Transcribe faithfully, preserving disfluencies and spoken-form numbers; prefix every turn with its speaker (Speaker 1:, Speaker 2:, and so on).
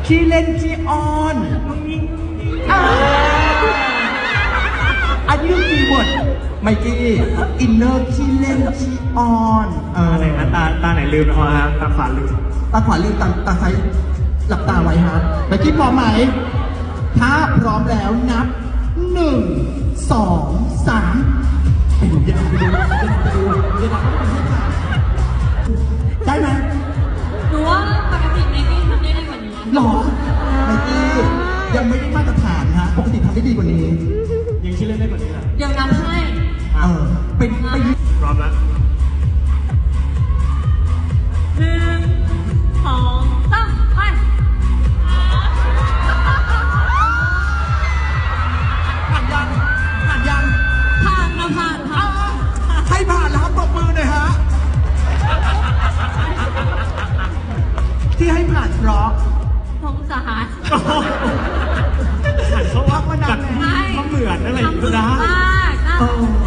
Speaker 1: ขี้เล่นขี้อ้อนอันนี้คือคีย์เวิร์ดไมกี้อินเนอร์ขี้เล่นขี้อ้อนเออ
Speaker 2: ตาไหนนะตาตาไหนลืมนะฮะตาขวาลืม
Speaker 1: ตาขวาลืมตาตาซ้ายหลับตาไว้ฮะไมกี้พร้อมไหมถ้าพร้อมแล้วนับหนึ่งสองสามไปดูเดี๋ยวไปดูไปดูเดี๋ยวได้ไหม
Speaker 3: หนูว่าปกติไมกี้ทำได้ดีกว่านี้
Speaker 1: หรอไมกี้ยังไม่ได้มาตรฐานฮะปกติทำได้ดีกว่านี้
Speaker 2: ยังชื่อเล่นได้กว่านี้เหรอ
Speaker 3: เดี๋ยวนับให้
Speaker 1: เออเป็นไป
Speaker 2: พร้อมแล้ว
Speaker 3: หนึ่งสองสามไป
Speaker 1: ผ่านยังผ่านยัง
Speaker 3: ผ่านนะผ่านผ่าน
Speaker 1: ให้ผ่านแล้วครับปรบมือหน่อยฮะที่ให้ผ่านเพราะ
Speaker 3: สงสาร
Speaker 2: เขาว่ามันดังเขาเหมือนอะไรอย่างนี้นะ
Speaker 3: มากนะ
Speaker 1: เออ